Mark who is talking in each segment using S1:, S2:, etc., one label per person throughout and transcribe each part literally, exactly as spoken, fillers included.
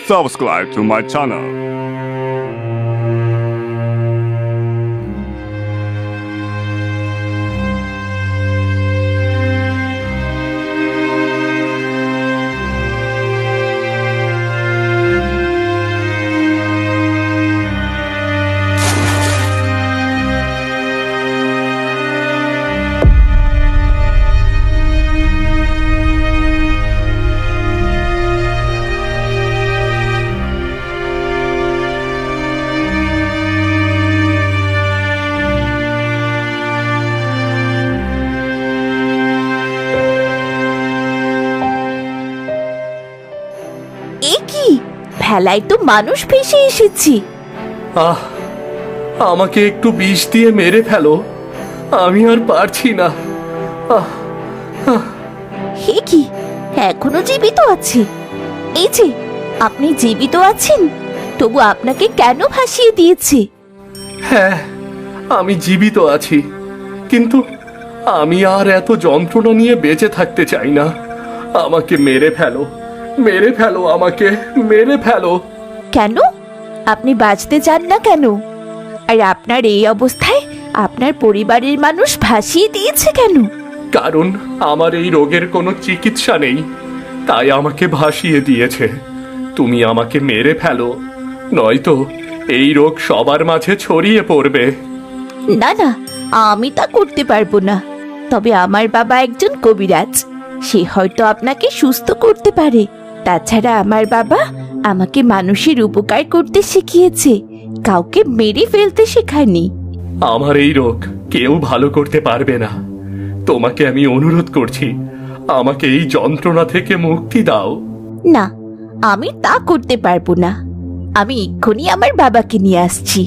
S1: subscribe to my channel.
S2: ভেলায় তো মানুষ ভেসে এসেছি।
S3: আহ আমাকে একটু বিষ দিয়ে মেরে ফেলো, আমি আর পারছি না। আহ
S2: হে কি, এখনো জীবিত আছে? এই যে আপনি জীবিত আছেন, তবু আপনাকে কেন ভাসিয়ে দিয়েছে?
S3: হ্যাঁ, আমি জীবিত আছি, কিন্তু আমি আর এত যন্ত্রণা নিয়ে বেঁচে থাকতে চাই না। আমাকে মেরে ফেলো, মেরে ফেলো, আমাকে মেরে ফেলো।
S2: কেন? আপনি বাঁচতে চান না কেন? আর আপনার এই অবস্থায় আপনার পরিবারের মানুষ ভাসিয়ে দিয়েছে কেন?
S3: কারণ আমার এই রোগের কোনো চিকিৎসা নেই, তাই আমাকে ভাসিয়ে দিয়েছে। তুমি আমাকে মেরে ফেলো, নয়তো এই রোগ সবার মাঝে ছড়িয়ে পড়বে।
S2: না না, আমি তা করতে পারবো না। তবে আমার বাবা একজন কবিরাজ, সে হয়তো আপনাকে সুস্থ করতে পারে। তাছাড়া আমার বাবা আমাকে মানুষের উপকার করতে শিখিয়েছে, কাউকে মেরে ফেলতে শেখায়নি।
S3: আমার এই রোগ কেউ ভালো করতে পারবে না। তোমাকে আমি অনুরোধ করছি, আমাকে এই যন্ত্রণা থেকে মুক্তি দাও।
S2: না, আমি তা করতে পারবো না। আমি এক্ষুনি আমার বাবাকে নিয়ে আসছি।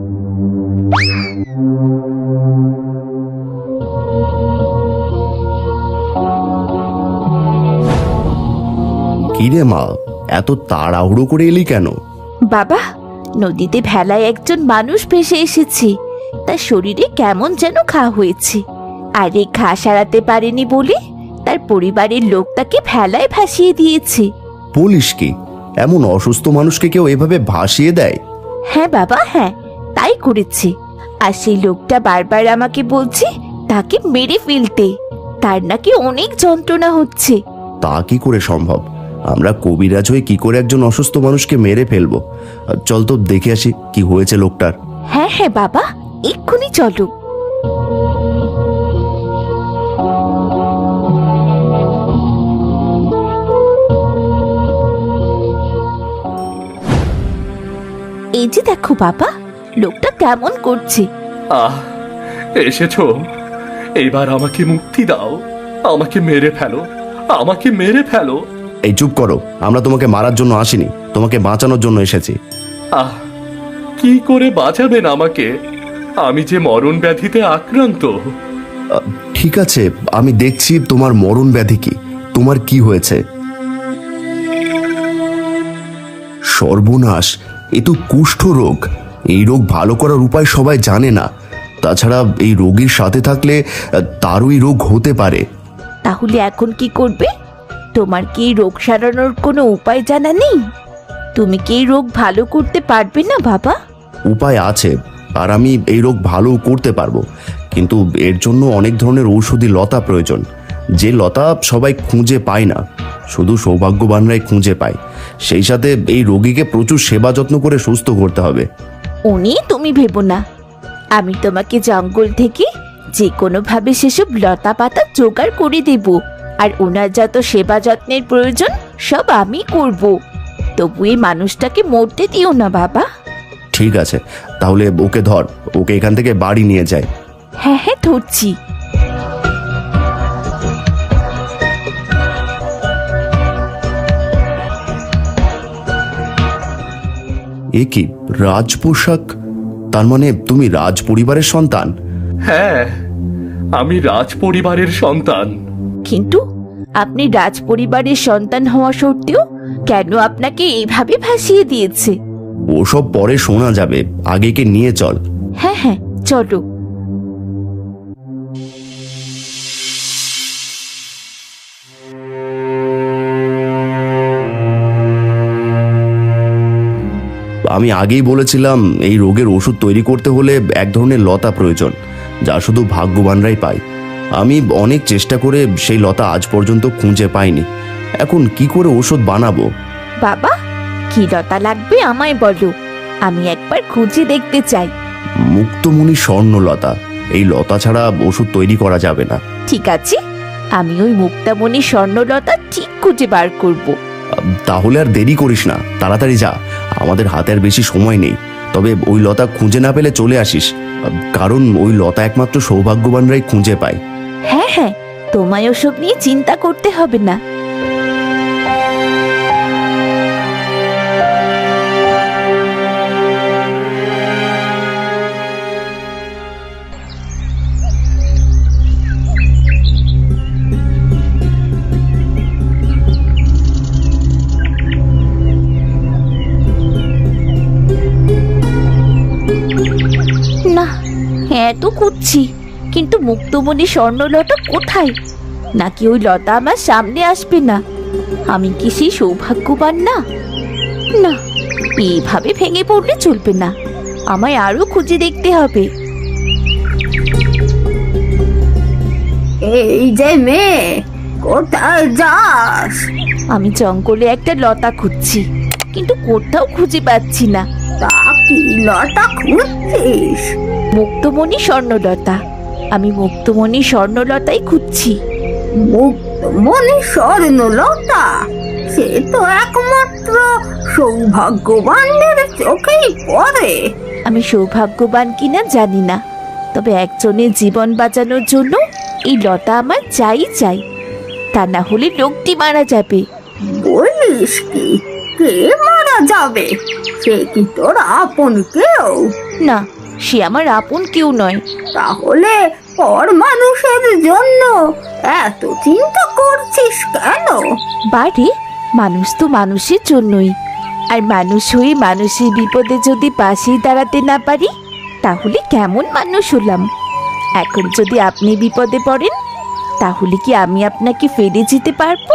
S4: কিরে মা, এত তাড়াহুড়ো করে এলি কেন?
S2: বাবা, নদীতে ভেলায় একজন মানুষ ভেসে এসেছে, তার শরীরে কেমন যেন ঘা হয়েছে, আর এই ঘা সারাতে পারেনি বলে তার পরিবারের লোক তাকে ভেলায় ভাসিয়ে দিয়েছে।
S4: বলিস কি, এমন অসুস্থ মানুষকে কেউ এভাবে ভাসিয়ে দেয়?
S2: হ্যাঁ বাবা, হ্যাঁ, তাই করেছে। আর সেই লোকটা বারবার আমাকে বলছে তাকে মেরে ফেলতে, তার নাকি অনেক যন্ত্রণা হচ্ছে।
S4: তা কি করে সম্ভব? আমরা কবিরাজ হয়ে কি করে একজন অসুস্থ মানুষকে মেরে ফেলবো? চল তো দেখে আসি কি হয়েছে লোকটার।
S2: হ্যাঁ হ্যাঁ বাবা, এক্ষুনি চলো। এই যে দেখো বাবা, লোকটা কেমন করছে।
S3: আহ এসেছো, এবার আমাকে মুক্তি দাও। আমাকে মেরে ফেলো, আমাকে মেরে ফেলো।
S4: এই চুপ করো, আমরা তোমাকে মারার জন্য আসিনি, তোমাকে বাঁচানোর জন্য এসেছি।
S3: আহ কি করে বাঁচাবেন আমাকে? আমি যে মরণ ব্যাধিতে আক্রান্ত।
S4: আহ, ঠিক আছে, আমি দেখছি তোমার মরণ ব্যাধি কি, তোমার কি হয়েছে। সর্বনাশ, এ তো কুষ্ঠ রোগ। এই রোগ ভালো করার উপায় সবাই জানে না। তাছাড়া এই রোগীর সাথে থাকলে আহ, তারও এই রোগ হতে পারে।
S2: তাহলে এখন কি করবে? তোমার কি এই রোগ সারানোর কোনো উপায় জানা নেই? তুমি কি এই রোগ ভালো করতে পারবে না বাবা?
S4: উপায় আছে, আর আমি এই রোগ ভালো করতে পারবো, কিন্তু এর জন্য অনেক ধরনের ঔষধি লতা প্রয়োজন, যে লতা সবাই খুঁজে পায় না, শুধু সৌভাগ্যবানরাই খুঁজে পায়। সেই সাথে এই রোগীকে প্রচুর সেবা যত্ন করে সুস্থ করতে হবে।
S2: উনি তুমি ভেবো না, আমি তোমাকে জঙ্গল থেকে যে কোনো ভাবে সেসব লতা পাতা জোগাড় করে দেব, আর ওনার যত সেবা যত্নের প্রয়োজন সব আমি করব। তবু এই মানুষটাকে মরতে দিও না বাবা।
S4: ঠিক আছে, তাহলে ওকে ধর, ওকে এখান থেকে বাড়ি নিয়ে যায়।
S2: হ্যাঁ হ্যাঁ, ধরছি।
S4: এ কি রাজ পোশাক? তার মানে তুমি রাজ পরিবারের সন্তান?
S3: হ্যাঁ, আমি রাজ পরিবারের সন্তান।
S2: কিন্তু আপনি রাজ পরিবারের সন্তান হওয়া সত্ত্বেও কেন আপনাকে এইভাবে ভাসিয়ে দিয়েছে?
S4: ওসব পরে শোনা যাবে, আগে কে নিয়ে চল।
S2: হ্যাঁ হ্যাঁ, চলো।
S4: আমি আগেই বলেছিলাম এই রোগের ওষুধ তৈরি করতে হলে এক ধরনের লতা প্রয়োজন, যা শুধু ভাগ্যবানরাই পায়। আমি অনেক চেষ্টা করে সেই লতা আজ পর্যন্ত খুঁজে পাইনি। এখন কি করে ওষুধ বানাবো?
S2: বাবা, কি লতা লাগবে আমায় বলো, আমি একবার খুঁজে দেখতে চাই।
S4: মুক্তমণি স্বর্ণলতা, এই লতা ছাড়া ওষুধ তৈরি করা যাবে না।
S2: ঠিক আছে, আমি ওই মুক্তামণি স্বর্ণলতা ঠিক খুঁজে বার করব।
S4: তাহলে আর দেরি করিস না, তাড়াতাড়ি যা, আমাদের হাতে আর বেশি সময় নেই। তবে ওই লতা খুঁজে না পেলে চলে আসিস, কারণ ওই লতা একমাত্র সৌভাগ্যবানরাই খুঁজে পায়।
S2: হ্যাঁ হ্যাঁ, তোমায় ওসব নিয়ে চিন্তা করতে হবে না। না, হ্যাঁ তো খুঁজছি, কিন্তু মুক্তমণি স্বর্ণলতা কোথায়? নাকি ওই লতা আমার সামনে আসবে না? আমি কি সেই সৌভাগ্যবান না? না, এইভাবে ভেঙে পড়লে চলবে না, আমায় আরো খুঁজে দেখতে হবে।
S5: এই যে মেয়ে, কোথায় যাস?
S2: আমি জঙ্গলে একটা লতা খুঁজছি, কিন্তু কোথাও খুঁজে পাচ্ছি না।
S5: তা কি লতা খুঁজছিস?
S2: মুক্তমণি স্বর্ণলতা, আমি মুক্তমণি স্বর্ণলতাই খুঁজছি।
S5: মুক্তমণি স্বর্ণলতা, সে তো একমাত্র সৌভাগ্যবানদের চোখেই পড়ে।
S2: আমি সৌভাগ্যবান কিনা জানি না, তবে একজনের জীবন বাঁচানোর জন্য এই লতা আমার চাই চাই, তা না হলে লোকটি মারা যাবে।
S5: বলিস কি? কে মারা যাবে? সে কি তোর আপন কেউ?
S2: না, সে আমার আপন কেউ নয়।
S5: তাহলে পর মানুষের জন্য এত চিন্তা করছিস কেন?
S2: বাড়ি, মানুষ তো মানুষের জন্যই, আর মানুষ হয়ে মানুষের বিপদে যদি পাশেই দাঁড়াতে না পারি, তাহলে কেমন মানুষ হলাম? এখন যদি আপনি বিপদে পড়েন, তাহলে কি আমি আপনাকে ফেলে যেতে পারবো?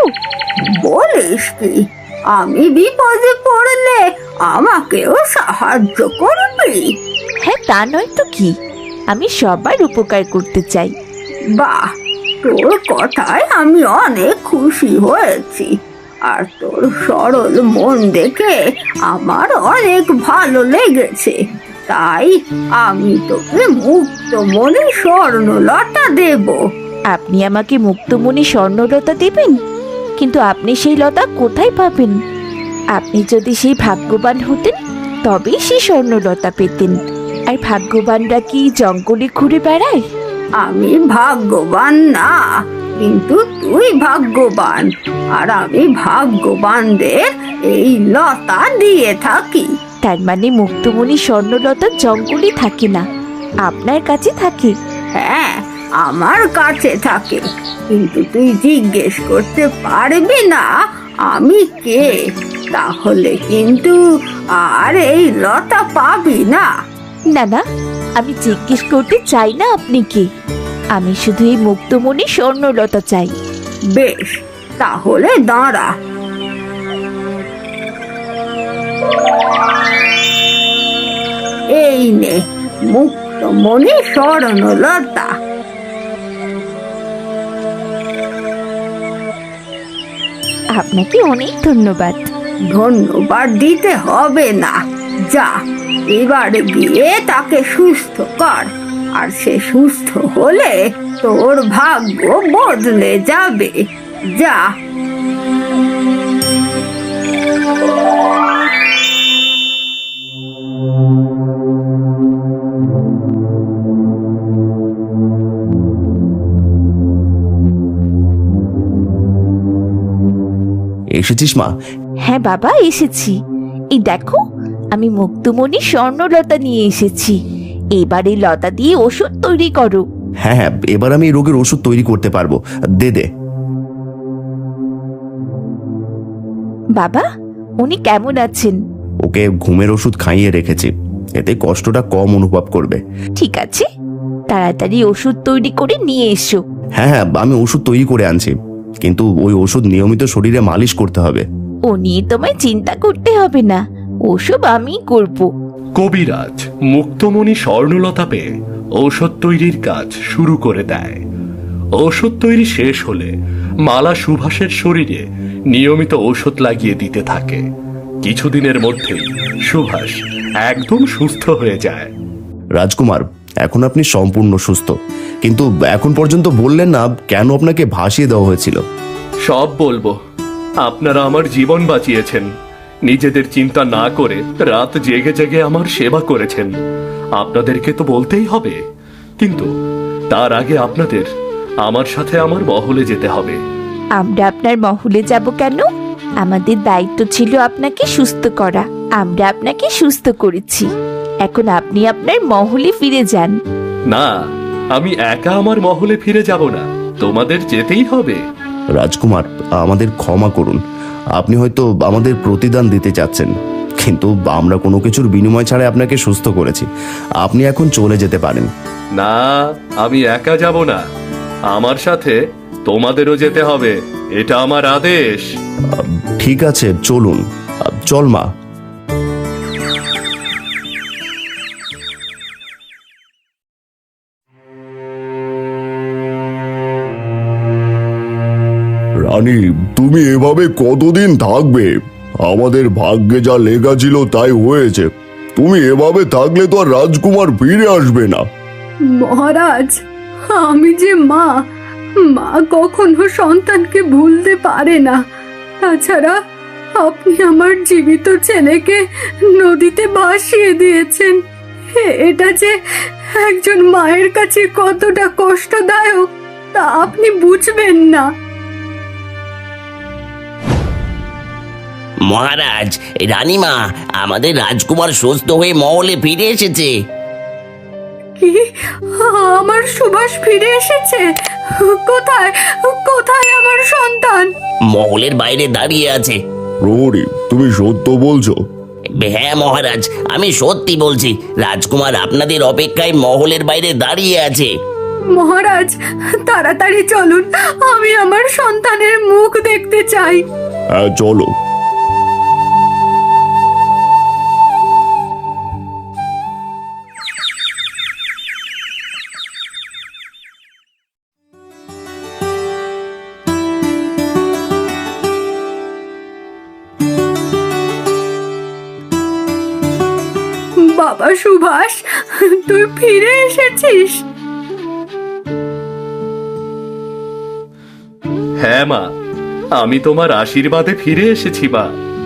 S5: বলিস কি? আমি বিপদে পড়লে আমাকেও সাহায্য করবি?
S2: হ্যাঁ, তা নয় তো কি, আমি সবার উপকার করতে চাই।
S5: বাহ, তোর কথায় আমি অনেক খুশি হয়েছি, আর তোর সরল মন দেখে আমার অনেক ভালো লেগেছে। তাই আমি তোকে মুক্তমণি স্বর্ণলতা দেব।
S2: আপনি আমাকে মুক্তমণি স্বর্ণলতা দেবেন? কিন্তু আপনি সেই লতা কোথায় পাবেন? আপনি যদি সেই ভাগ্যবান হতেন, তবেই সেই স্বর্ণলতা পেতেন। আর ভাগ্যবানরা কি জঙ্গলে ঘুরে বেড়ায়?
S5: আমি ভাগ্যবান না, কিন্তু তুই ভাগ্যবান, আর আমি ভাগ্যবানদের এই লতা দিয়ে থাকি।
S2: তার মানে মুক্তমণি স্বর্ণলতা জঙ্গলে থাকে না, আপনার কাছে থাকে?
S5: হ্যাঁ, আমার কাছে থাকে, কিন্তু তুই জিজ্ঞেস করতে পারবি না আমি কে, তাহলে কিন্তু আর এই লতা পাবি না।
S2: না না, আমি জিজ্ঞেস করতে চাই না আপনি কে, আমি শুধু এই মুক্তমণি স্বর্ণলতা চাই।
S5: বেশ, তাহলে দাঁড়া। এই নে মুক্তমণি স্বর্ণলতা।
S2: আপনাকে অনেক ধন্যবাদ।
S5: ধন্যবাদ দিতে হবে না, যা এবার গিয়ে তাকে সুস্থ কর, আর সে সুস্থ হলে তোর ভাগ্য বদলে যাবে। যা।
S4: এসেছিস মা?
S2: হ্যাঁ বাবা, এসেছি। এই দেখো, আমি মুক্তমণি স্বর্ণলতা নিয়ে এসেছি। এবার এই লতা দিয়ে ওষুধ তৈরি করো।
S4: হ্যাঁ হ্যাঁ, এবার আমি এই রোগের ওষুধ তৈরি করতে পারবো। দে দে।
S2: বাবা, উনি কেমন আছেন?
S4: ওকে ঘুমের ওষুধ খাইয়ে রেখেছি, এতে কষ্টটা কম অনুভব করবে।
S2: ঠিক আছে, তাড়াতাড়ি ওষুধ তৈরি করে নিয়ে এসো।
S4: হ্যাঁ হ্যাঁ, আমি ওষুধ তৈরি করে আনছি, কিন্তু ওই ওষুধ নিয়মিত শরীরে মালিশ করতে হবে।
S2: ও নিয়ে তোমায় চিন্তা করতে হবে না, ওসব আমি করব।
S3: কবিরাজ মুক্তমণি স্বর্ণলতা পেয়ে ঔষধ তৈরির কাজ শুরু করে দেয়। ঔষধ তৈরি শেষ হলে মালা সুভাষের শরীরে নিয়মিত ঔষধ লাগিয়ে দিতে থাকে। কিছুদিনের মধ্যেই সুভাষ একদম সুস্থ হয়ে যায়।
S4: রাজকুমার, এখন আপনি সম্পূর্ণ সুস্থ, কিন্তু এখন পর্যন্ত বললেন না কেন আপনাকে ভাসিয়ে দেওয়া হয়েছিল।
S3: সব বলবো। আপনারা আমার জীবন বাঁচিয়েছেন, নিজেদের চিন্তা না করে রাত জেগে জেগে আমার সেবা করেছেন। আপনাদেরকে তো বলতেই হবে, কিন্তু তার আগে আপনাদের আমার সাথে আমার মহলে যেতে হবে।
S2: আমরা আপনার মহলে যাব কেন? আমাদের দায়িত্ব ছিল আপনাকে সুস্থ করা। আমরা আপনাকে সুস্থ করেছি। এখন আপনি আপনার মহলে ফিরে যান।
S3: না, আমি একা আমার মহলে ফিরে যাব না, তোমাদের যেতেই হবে।
S4: রাজকুমার, আমাদের ক্ষমা করুন। আপনি হয়তো আমাদের প্রতিদান দিতে চাচ্ছেন, কিন্তু আমরা কোনো কিছুর বিনিময় ছাড়াই আপনাকে সুস্থ করেছি। আপনি এখন চলে যেতে পারেন।
S3: না, আমি একা যাব না, আমার সাথে তোমাদেরও যেতে হবে। এটা আমার আদেশ।
S4: ঠিক আছে, চলুন। চল মা।
S6: রানী, তুমি এভাবে কতদিন থাকবে? আমাদের ভাগ্যে যা লেখা ছিল তাই হয়েছে। তুমি এভাবে থাকলে তো আর রাজকুমার ফিরে আসবে না।
S5: মহারাজ, আমি যে মা, মা কখনো সন্তানকে ভুলতে পারে না। তাছাড়া আপনি আমার জীবিত ছেলেকে নদীতে ভাসিয়ে দিয়েছেন। এ- এটা যে একজন মায়ের কাছে কতটা কষ্টদায়ক তা আপনি বুঝবেন না।
S7: মহারাজ, রানীমা, আমাদের রাজকুমার সুস্থ হয়ে মহলে ফিরে এসেছে।
S5: কি? আমার সুভাষ ফিরে এসেছে? কোথায় কোথায় আমার সন্তান?
S7: মহলের বাইরে দাঁড়িয়ে আছে।
S6: প্রহরী, তুমি সত্য বলছো?
S7: হ্যাঁ মহারাজ, আমি সত্যি বলছি। রাজকুমার আপনাদের অপেক্ষায় মহলের বাইরে দাঁড়িয়ে আছে।
S5: মহারাজ, তাড়াতাড়ি চলুন, আমি আমার সন্তানের মুখ দেখতে চাই।
S6: হ্যাঁ, চলো।
S5: বাবা সুভাষ, তুই ফিরে এসেছিস?
S3: হ্যাঁ মা, আমি তোমার আশীর্বাদে ফিরে এসেছি মা।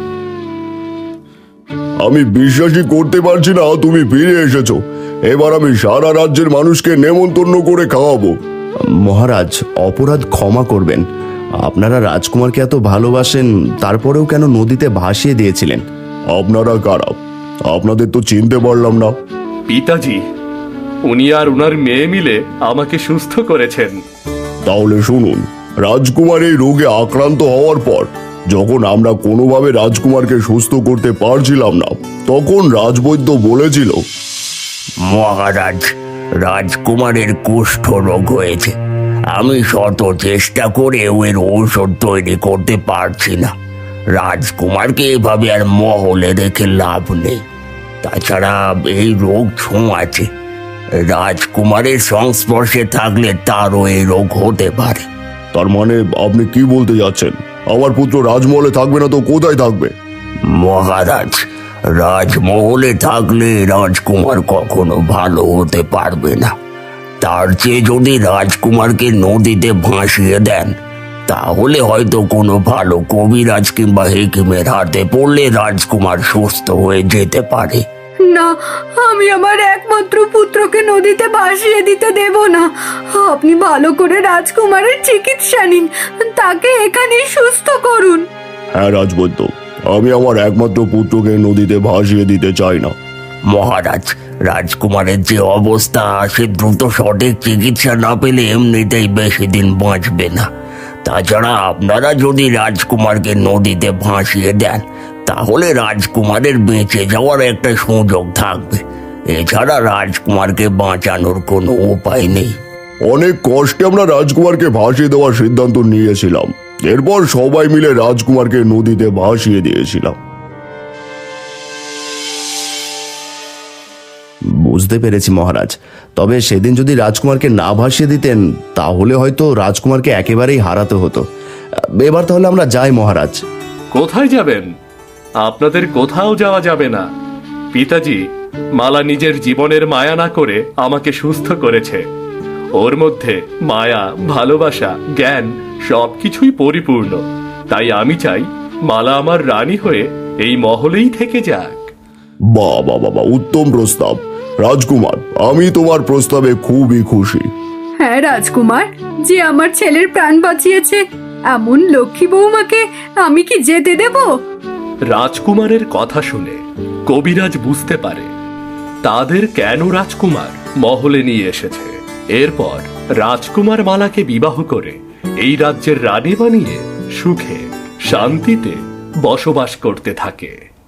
S6: আমি বিশ্বাসই করতে পারছি না তুমি ফিরে এসেছো। এবার আমি সারা রাজ্যের মানুষকে নেমন্তন্ন করে খাওয়াবো।
S4: মহারাজ, অপরাধ ক্ষমা করবেন। আপনারা রাজকুমারকে এত ভালোবাসেন, তারপরেও কেন নদীতে ভাসিয়ে দিয়েছিলেন?
S6: আপনারা কারা? আপনাদের তো চিনতে পারলাম না।
S3: পিতাজি, উনি আর উনার মেয়ে মিলে আমাকে সুস্থ করেছেন।
S6: তাহলে শুনুন, রাজকুমার এই রোগে আক্রান্ত হওয়ার পর যখন আমরা কোনোভাবে রাজকুমারকে সুস্থ করতে পারছিলাম না, তখন রাজবৈদ্য বলেছিল,
S7: মহারাজ, রাজকুমারের কুষ্ঠ রোগ হয়েছে। আমি শত চেষ্টা করেও এর ঔষধ তৈরি করতে পারছি না। রাজকুমারকে এভাবে আর মহলে রেখে লাভ নেই। তাছাড়া এই রোগ ছোঁয়াচে। রাজকুমারের সংস্পর্শে থাকলে তারও এই রোগ হতে পারে।
S6: তার মানে আপনি কি বলতে যাচ্ছেন? আমার পুত্র রাজমহলে থাকবে না তো কোথায় থাকবে?
S7: মহারাজ, রাজমহলে থাকলে রাজকুমার কখনো ভালো হতে পারবে না। তার চেয়ে যদি রাজকুমারকে নদীতে ভাসিয়ে দেন, তাহলে হয়তো কোনো ভালো কবিরাজ কিংবা হেকিমের হাতে পড়লে রাজকুমার সুস্থ হয়ে যেতে পারে।
S5: না, আমি আমার একমাত্র পুত্রকে নদীতে ভাসিয়ে দিতে দেব না। আপনি ভালো করে রাজকুমারের চিকিৎসা নিন, তাকে এখানেই সুস্থ করুন।
S6: হ্যাঁ রাজবৈদ্য, আমি আমার একমাত্র পুত্রকে নদীতে ভাসিয়ে দিতে চাই না।
S7: মহারাজ, রাজকুমারের যে অবস্থা, সে দ্রুত সঠিক চিকিৎসা না পেলে এমনিতেই বেশি দিন বাঁচবে না। তাছাড়া আপনারা যদি রাজকুমারকে নদীতে ভাসিয়ে দেন, তাহলে রাজকুমারের বেঁচে যাওয়ার একটা সুযোগ থাকবে। এছাড়া রাজকুমারকে বাঁচানোর কোনো উপায় নেই।
S6: অনেক কষ্টে আমরা রাজকুমারকে ভাসিয়ে দেওয়ার সিদ্ধান্ত নিয়েছিলাম। এরপর সবাই মিলে রাজকুমারকে নদীতে ভাসিয়ে দিয়েছিলাম।
S4: বুঝতে পেরেছি মহারাজ। তবে সেদিন যদি রাজকুমারকে না ভাসিয়ে দিতেন তাহলে হয়তো রাজকুমারকে একেবারেই হারাতে হতো। এবার তাহলে আমরা যাই মহারাজ।
S3: কোথায় যাবেন? আপনাদের কোথাও যাওয়া যাবে না। পিতাজি, মালা নিজের জীবনের মায়া না করে আমাকে সুস্থ করেছে। ওর মধ্যে মায়া, ভালোবাসা, জ্ঞান সবকিছুই পরিপূর্ণ। তাই আমি চাই মালা আমার রানী হয়ে এই মহলেই থেকে যাক।
S6: বাহ বাহ বাবা, উত্তম প্রস্তাব রাজকুমার। আমি তোমার প্রস্তাবে খুবই খুশি।
S5: হ্যাঁ রাজকুমার, যে আমার ছেলের প্রাণ বাঁচিয়েছে এমন লক্ষ্মী বৌমাকে আমি কি যেতে দেব?
S3: রাজকুমারের কথা শুনে কবিরাজ বুঝতে পারে তাদের কেন রাজকুমার মহলে নিয়ে এসেছে। এরপর রাজকুমার মালাকে বিবাহ করে এই রাজ্যের রানী বানিয়ে সুখে শান্তিতে বসবাস করতে থাকে।